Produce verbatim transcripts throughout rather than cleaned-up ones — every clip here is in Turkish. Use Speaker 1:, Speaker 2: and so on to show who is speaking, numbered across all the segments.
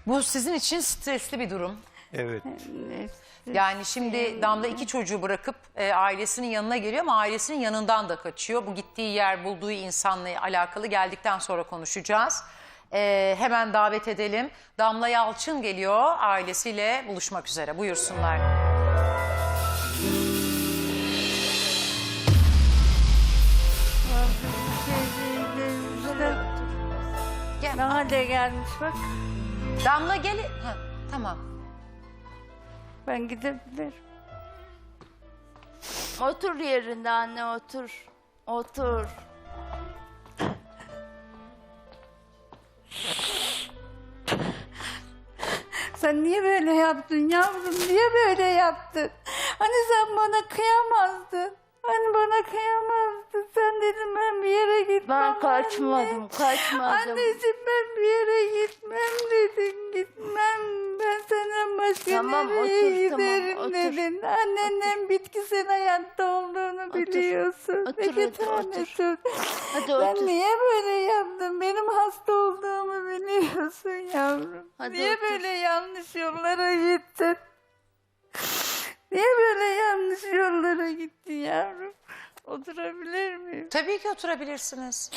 Speaker 1: Bu sizin için stresli bir durum.
Speaker 2: Evet.
Speaker 1: Yani şimdi Damla iki çocuğu bırakıp e, ailesinin yanına geliyor ama ailesinin yanından da kaçıyor. Bu gittiği yer, bulduğu insanla alakalı geldikten sonra konuşacağız. E, hemen davet edelim. Damla Yalçın geliyor, ailesiyle buluşmak üzere. Buyursunlar. Gel.
Speaker 3: Ne hale gelmiş bak.
Speaker 1: Damla gel. Ha, tamam.
Speaker 3: Ben gidebilirim.
Speaker 4: Otur yerinde anne, otur. Otur.
Speaker 3: Sen niye böyle yaptın yavrum? Niye böyle yaptın? Hani sen bana kıyamazdın. Hani bana kıyamazdın. Sen dedin ben bir yere gitmem.
Speaker 4: Ben kaçmadım,
Speaker 3: anne.
Speaker 4: kaçmadım.
Speaker 3: Anneciğim ben bir yere gitmem dedin. Gitmem. Ben senden başka
Speaker 4: Tamam,
Speaker 3: nereye
Speaker 4: otur, tamam,
Speaker 3: giderim
Speaker 4: otur.
Speaker 3: dedin. Annenin bitkisel hayatta olduğunu
Speaker 4: Otur,
Speaker 3: biliyorsun.
Speaker 4: otur,
Speaker 3: Peki
Speaker 4: otur,
Speaker 3: tanesim.
Speaker 4: Hadi
Speaker 3: Ben
Speaker 4: otur.
Speaker 3: niye böyle yaptım? Benim hasta olduğumu biliyorsun yavrum.
Speaker 4: Hadi
Speaker 3: niye
Speaker 4: otur.
Speaker 3: böyle yanlış yollara gittin? Niye böyle yanlış yollara gittin yavrum? Oturabilir miyim?
Speaker 1: Tabii ki oturabilirsiniz.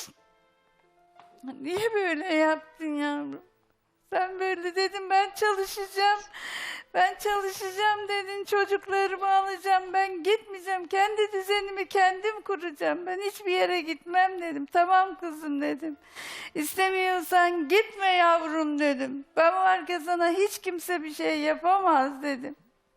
Speaker 3: Niye böyle yaptın yavrum? Sen böyle dedin ben çalışacağım. Ben çalışacağım dedin, çocuklarımı alacağım, ben gitmeyeceğim, kendi düzenimi kendim kuracağım, ben hiçbir yere gitmem dedim. Tamam kızım dedim. İstemiyorsan gitme yavrum dedim. Ben varken sana hiç kimse bir şey yapamaz dedim.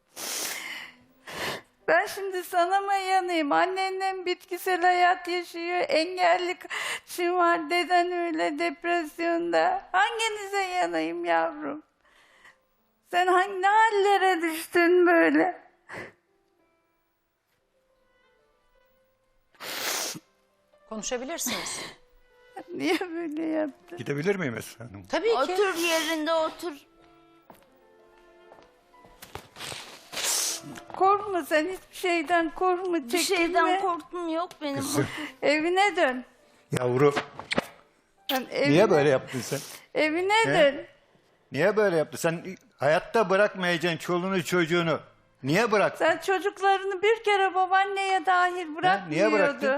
Speaker 3: Ben şimdi sana mı yanayım? Annen bitkisel hayat yaşıyor, engelli kaçın var, deden öyle depresyonda. Hanginize yanayım yavrum? Sen hangi ne hallere düştün böyle?
Speaker 1: Konuşabilirsiniz.
Speaker 3: Niye böyle yaptın?
Speaker 2: Gidebilir miyim Esra Hanım?
Speaker 1: Tabii ki.
Speaker 4: Otur yerinde, otur.
Speaker 3: Korkma sen hiçbir şeyden korkma, çekinme.
Speaker 4: Bir şeyden korktum yok benim.
Speaker 2: Kızım.
Speaker 3: Evine dön.
Speaker 2: Yavru.
Speaker 3: Sen evine,
Speaker 2: Niye böyle yaptın sen?
Speaker 3: Evine
Speaker 2: He?
Speaker 3: dön.
Speaker 2: Niye böyle yaptın? Sen hayatta bırakmayacaksın çoluğunu çocuğunu. Niye bıraktın?
Speaker 3: Sen çocuklarını bir kere babaanneye dahil bırakmıyordu.
Speaker 2: bıraktın?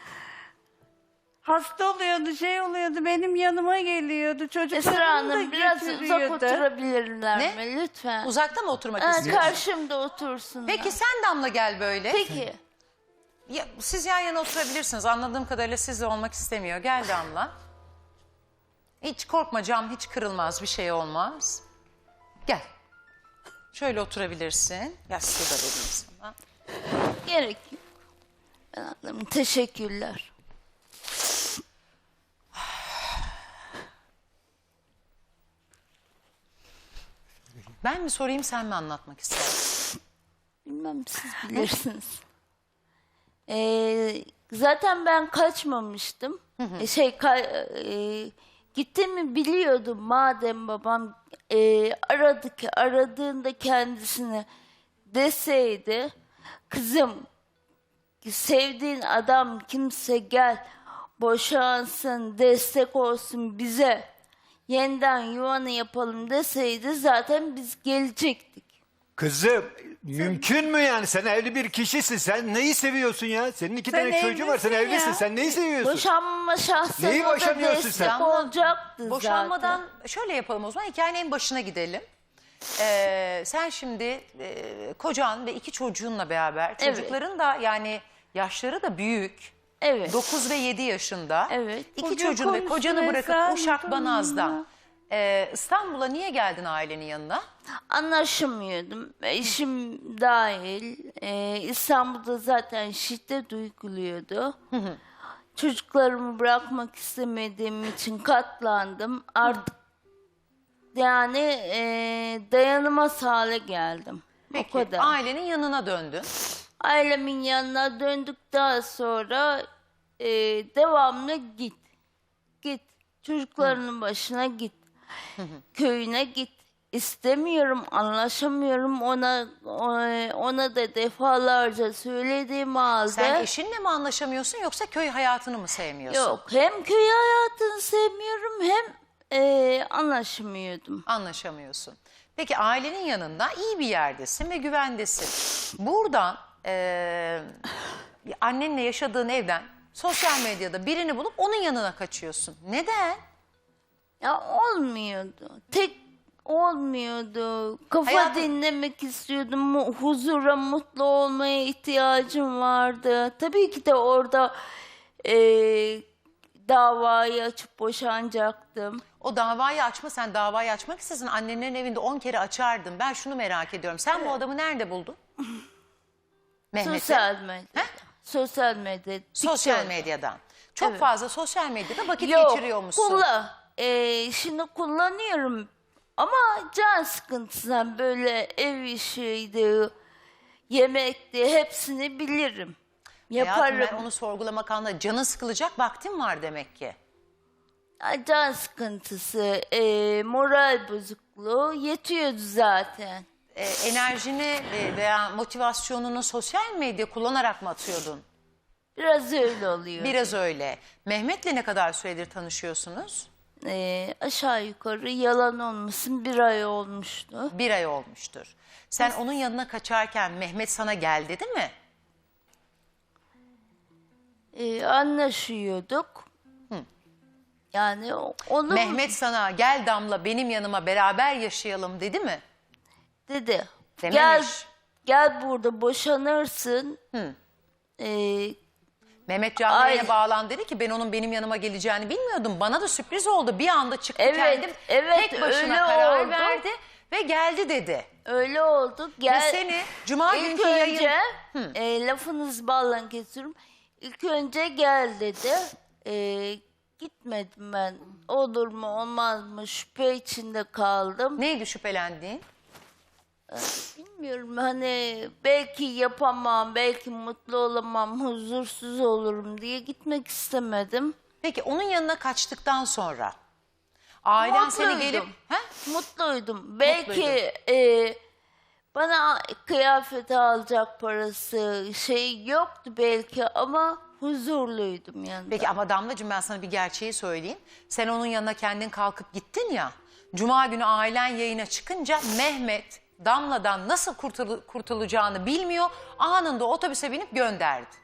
Speaker 3: Hasta oluyordu, şey oluyordu, benim yanıma geliyordu.
Speaker 4: Esra
Speaker 3: Çocuklarını da
Speaker 4: Hanım biraz uzak
Speaker 3: götürüyordu.
Speaker 4: oturabilirler
Speaker 1: Ne?
Speaker 4: mi lütfen?
Speaker 1: Uzakta mı oturmak
Speaker 4: Ha,
Speaker 1: istiyorsun?
Speaker 4: karşımda otursun.
Speaker 1: Peki sen Damla gel böyle.
Speaker 4: Peki.
Speaker 1: Ya, siz yan yana oturabilirsiniz. Anladığım kadarıyla sizle olmak istemiyor. Gel Damla. Hiç korkma, cam hiç kırılmaz, bir şey olmaz. Gel. Şöyle oturabilirsin. Yastığı da vereyim sana.
Speaker 4: Gerek yok. Ben anladım. Teşekkürler.
Speaker 1: Ben mi sorayım, sen mi anlatmak istersin?
Speaker 4: Bilmem, siz bilirsiniz. Ee, zaten ben kaçmamıştım. Ee, şey ka- e, gittiğimi biliyordum madem babam e, aradı ki aradığında kendisini deseydi kızım sevdiğin adam kimse gel boşansın, destek olsun bize, yeniden yuvanı yapalım deseydi zaten biz gelecektik.
Speaker 2: Kızım mümkün mü yani? Sen evli bir kişisin. Sen neyi seviyorsun ya? Senin iki
Speaker 3: Sen
Speaker 2: tane çocuğun var. Sen
Speaker 3: evlisin
Speaker 2: evlisin.
Speaker 3: ya.
Speaker 2: Sen neyi seviyorsun?
Speaker 4: Boşanma şahsen
Speaker 2: Neyi
Speaker 4: o da
Speaker 2: boşanıyorsun
Speaker 4: destek
Speaker 2: sen?
Speaker 4: olacaktı
Speaker 1: Boşanmadan
Speaker 4: zaten.
Speaker 1: şöyle yapalım o zaman, hikayenin en başına gidelim. Ee, sen şimdi e, kocan ve iki çocuğunla beraber,
Speaker 4: Evet.
Speaker 1: çocukların da yani yaşları da büyük.
Speaker 4: Evet.
Speaker 1: dokuz ve yedi yaşında.
Speaker 4: Evet.
Speaker 1: İki
Speaker 3: Bugün
Speaker 1: çocuğunu ve
Speaker 3: konuştu
Speaker 1: kocanı bırakıp
Speaker 3: Esra
Speaker 1: Uşak
Speaker 3: Hanım.
Speaker 1: Banaz'dan e, İstanbul'a niye geldin ailenin yanına?
Speaker 4: Anlaşamıyordum. Eşim dahil. Ee, İstanbul'da zaten şiddet uyguluyordu. Çocuklarımı bırakmak istemediğim için katlandım. Artık yani e, dayanılmaz hale geldim.
Speaker 1: Peki
Speaker 4: O kadar.
Speaker 1: ailenin yanına döndün.
Speaker 4: Ailemin yanına döndükten sonra e, devamlı git. Git. Çocuklarının başına git. Köyüne git. İstemiyorum, anlaşamıyorum. Ona ona, ona da defalarca söylediğim halde.
Speaker 1: Sen eşinle mi anlaşamıyorsun yoksa köy hayatını mı sevmiyorsun?
Speaker 4: Yok, hem köy hayatını sevmiyorum hem Ee, anlaşamıyordum.
Speaker 1: Anlaşamıyorsun. Peki ailenin yanında iyi bir yerdesin ve güvendesin. Buradan eee, annenle yaşadığın evden sosyal medyada birini bulup onun yanına kaçıyorsun. Neden?
Speaker 4: Ya olmuyordu. Tek olmuyordu. Kafa
Speaker 1: Hayatım-
Speaker 4: dinlemek istiyordum. Mu- Huzura, mutlu olmaya ihtiyacım vardı. Tabii ki de orada eee, davayı açıp boşanacaktım.
Speaker 1: O davayı açma, sen davayı açmak istesin. Annenlerin evinde on kere açardın. Ben şunu merak ediyorum. Sen bu adamı nerede buldun? Mehmet'i.
Speaker 4: Sosyal medyada. Sosyal medyada.
Speaker 1: Sosyal
Speaker 4: TikTok.
Speaker 1: medyadan. Çok
Speaker 4: Evet.
Speaker 1: fazla sosyal medyada vakit
Speaker 4: Yok,
Speaker 1: geçiriyor musun?
Speaker 4: kullan. Ee, şimdi kullanıyorum ama can sıkıntısından böyle ev işiydi, yemekti hepsini bilirim. Yaparım.
Speaker 1: Hayatım, ben onu sorgulamak anlamında canın sıkılacak vaktin var demek ki.
Speaker 4: Ya, can sıkıntısı, ee, moral bozukluğu yetiyordu zaten.
Speaker 1: Ee, enerjini e, veya motivasyonunu sosyal medya kullanarak mı atıyordun?
Speaker 4: Biraz öyle oluyor.
Speaker 1: Biraz öyle. Mehmet'le ne kadar süredir tanışıyorsunuz?
Speaker 4: Ee, aşağı yukarı yalan olmasın bir ay olmuştu.
Speaker 1: Bir ay olmuştur. Sen onun yanına kaçarken Mehmet sana gel dedi mi?
Speaker 4: Ee, anlaşıyorduk. Yani o- onun
Speaker 1: Mehmet sana gel Damla benim yanıma beraber yaşayalım dedi mi?
Speaker 4: dedi.
Speaker 1: Dememiş.
Speaker 4: Gel gel burada boşanırsın. Ee,
Speaker 1: Mehmet canlı
Speaker 4: Ay.
Speaker 1: yayına bağlan dedi ki ben onun benim yanıma geleceğini bilmiyordum. Bana da sürpriz oldu. Bir anda çıktı
Speaker 4: Evet,
Speaker 1: kendim.
Speaker 4: evet,
Speaker 1: tek başına
Speaker 4: öyle
Speaker 1: karar
Speaker 4: oldu.
Speaker 1: verdi ve geldi dedi.
Speaker 4: öyle oldu. Gel.
Speaker 1: Ve seni cuma
Speaker 4: İlk
Speaker 1: günkü yayın...
Speaker 4: önce e, lafınızı ballan kesiyorum. İlk önce gel dedi. E, gitmedim ben. Olur mu olmaz mı şüphe içinde kaldım.
Speaker 1: Neydi şüphelendiğin?
Speaker 4: Bilmiyorum hani belki yapamam, belki mutlu olamam, huzursuz olurum diye gitmek istemedim.
Speaker 1: Peki onun yanına kaçtıktan sonra ailen seni
Speaker 4: Mutluydum.
Speaker 1: gelip... He?
Speaker 4: Mutluydum. Belki e, bana kıyafet alacak parası şey yoktu belki ama huzurluydum yani.
Speaker 1: Peki ama Damlacığım ben sana bir gerçeği söyleyeyim. Sen onun yanına kendin kalkıp gittin ya. Cuma günü ailen yayına çıkınca Mehmet Damla'dan nasıl kurtul- kurtulacağını bilmiyor. Anında otobüse binip gönderdi.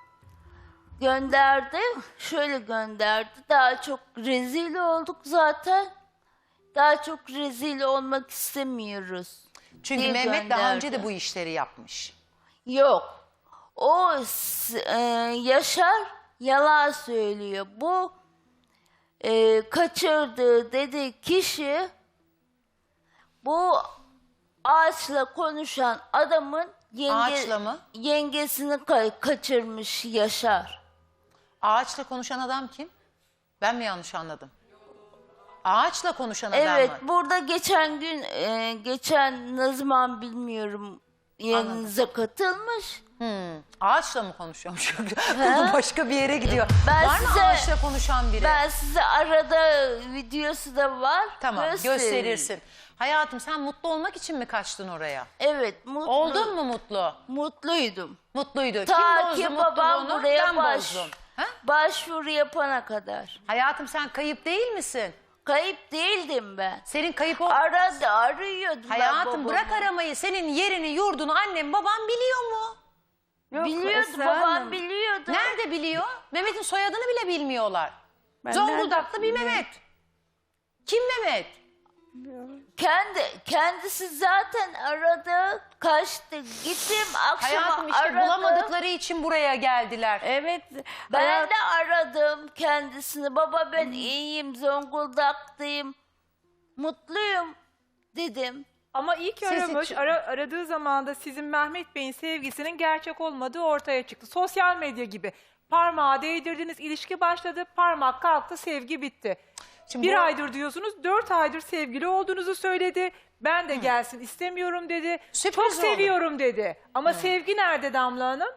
Speaker 4: Gönderdi. Şöyle gönderdi. Daha çok rezil olduk zaten. Daha çok rezil olmak istemiyoruz.
Speaker 1: Çünkü
Speaker 4: diye
Speaker 1: Mehmet daha önce de
Speaker 4: gönderdi.
Speaker 1: bu işleri yapmış.
Speaker 4: Yok. O s- e, Yaşar yalan söylüyor. Bu e, kaçırdığı dediği kişi bu ağaçla konuşan adamın yenge,
Speaker 1: Ağaçla mı?
Speaker 4: yengesini ka- kaçırmış Yaşar.
Speaker 1: Ağaçla konuşan adam kim? Ben mi yanlış anladım? Ağaçla konuşan adam
Speaker 4: Evet,
Speaker 1: mı?
Speaker 4: burada geçen gün e, geçen ne zaman bilmiyorum yanınıza katılmış.
Speaker 1: Hmm, ağaçla mı konuşuyormuş? Konu başka bir yere gidiyor.
Speaker 4: Ben
Speaker 1: Var mı
Speaker 4: size-
Speaker 1: ağaçla konuşan biri?
Speaker 4: Ben size arada videosu da var.
Speaker 1: Tamam
Speaker 4: gösteririm.
Speaker 1: gösterirsin. Hayatım sen mutlu olmak için mi kaçtın oraya?
Speaker 4: Evet, mutlu.
Speaker 1: Oldun mu mutlu?
Speaker 4: Mutluydum.
Speaker 1: Mutluydu.
Speaker 4: Ta
Speaker 1: Kim bozdu
Speaker 4: ki babam
Speaker 1: mutluluğunu?
Speaker 4: buraya
Speaker 1: Ben
Speaker 4: baş,
Speaker 1: bozdum. Ha?
Speaker 4: başvuru yapana kadar.
Speaker 1: Hayatım sen kayıp değil misin?
Speaker 4: Kayıp değildim ben.
Speaker 1: Senin kayıp ol...
Speaker 4: Arada arıyordum ben
Speaker 1: Hayatım
Speaker 4: babamı.
Speaker 1: bırak aramayı. Senin yerini, yurdunu annem baban biliyor mu?
Speaker 3: Yok,
Speaker 4: Biliyordu,
Speaker 3: Esra
Speaker 4: babam
Speaker 3: Hanım.
Speaker 4: biliyordu.
Speaker 1: Nerede biliyor? Mehmet'in soyadını bile bilmiyorlar.
Speaker 3: Ben
Speaker 1: Zonguldaklı bir
Speaker 3: nereden
Speaker 1: Mehmet. Kim Mehmet?
Speaker 4: Kendi kendisi zaten aradı, kaçtı. Gittim akşama
Speaker 1: Hayatım işte
Speaker 4: aradı.
Speaker 1: bulamadıkları için buraya geldiler.
Speaker 3: Evet.
Speaker 4: Ben
Speaker 3: hayat-
Speaker 4: de aradım kendisini. Baba ben iyiyim, Zonguldak'tayım. Mutluyum dedim.
Speaker 5: Ama ilk
Speaker 1: Siz
Speaker 5: aramış,
Speaker 1: hiç-
Speaker 5: ara- aradığı zaman da sizin Mehmet Bey'in sevgisinin gerçek olmadığı ortaya çıktı. Sosyal medya gibi. Parmağı değdirdiniz, ilişki başladı, parmak kalktı, sevgi bitti.
Speaker 1: Şimdi
Speaker 5: Bir
Speaker 1: bu-
Speaker 5: aydır diyorsunuz, dört aydır sevgili olduğunuzu söyledi. Ben de gelsin istemiyorum dedi.
Speaker 1: Sürpriz
Speaker 5: Çok
Speaker 1: oldu.
Speaker 5: seviyorum dedi. Ama sevgi nerede Damla Hanım?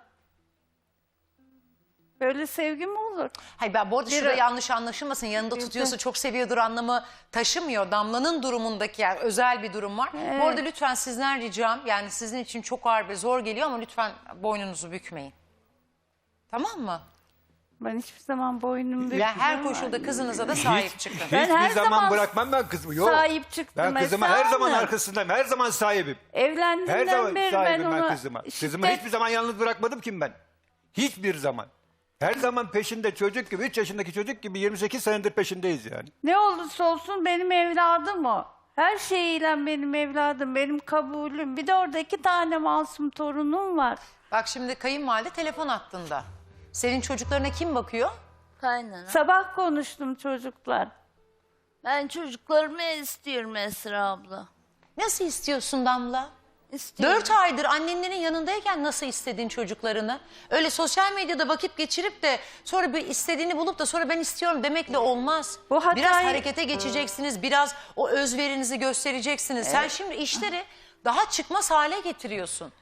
Speaker 3: Böyle sevgi mi olur?
Speaker 1: Hayır ben bu arada
Speaker 3: Bir-
Speaker 1: şurada yanlış anlaşılmasın. Yanında tutuyorsa çok seviyordur anlamı taşımıyor. Damla'nın durumundaki yani özel bir durum var. Bu arada lütfen sizden ricam yani sizin için çok ağır ve zor geliyor ama lütfen boynunuzu bükmeyin. Tamam mı?
Speaker 3: Ben hiçbir zaman boynumu bükmem.
Speaker 1: Yani her koşulda kızınıza da sahip çıkın.
Speaker 3: Ben
Speaker 2: Hiçbir
Speaker 3: her
Speaker 2: zaman,
Speaker 3: zaman
Speaker 2: bırakmam ben kızımı. Yok.
Speaker 3: sahip çıktım
Speaker 2: Ben kızıma
Speaker 3: Esra
Speaker 2: her zaman
Speaker 3: Hanım.
Speaker 2: arkasındayım. Her zaman sahibim. Her
Speaker 3: Evlendiğimden
Speaker 2: zaman
Speaker 3: beri ben
Speaker 2: sahibim ben
Speaker 3: ona
Speaker 2: kızıma. Kızımı
Speaker 3: şiddet-
Speaker 2: hiçbir zaman yalnız bırakmadım ki ben. Hiçbir zaman. Her zaman peşinde çocuk gibi, üç yaşındaki çocuk gibi yirmi sekiz senedir peşindeyiz yani.
Speaker 3: Ne olursa olsun benim evladım o. Her şeyiyle benim evladım, benim kabulüm. Bir de orada iki tane masum torunum var.
Speaker 1: Bak şimdi kayınvalide telefon hattında. Senin çocuklarına kim bakıyor?
Speaker 4: Kaynana.
Speaker 3: Sabah konuştum çocuklar.
Speaker 4: Ben çocuklarımı istiyorum Esra abla.
Speaker 1: Nasıl istiyorsun Damla?
Speaker 4: İstiyorum.
Speaker 1: Dört aydır annenlerin yanındayken nasıl istediğin çocuklarını? Öyle sosyal medyada vakit geçirip de sonra bir istediğini bulup da sonra ben istiyorum demekle olmaz.
Speaker 3: Bu hatayı-
Speaker 1: Biraz harekete geçeceksiniz, biraz o özverinizi göstereceksiniz. Sen şimdi işleri daha çıkmaz hale getiriyorsun.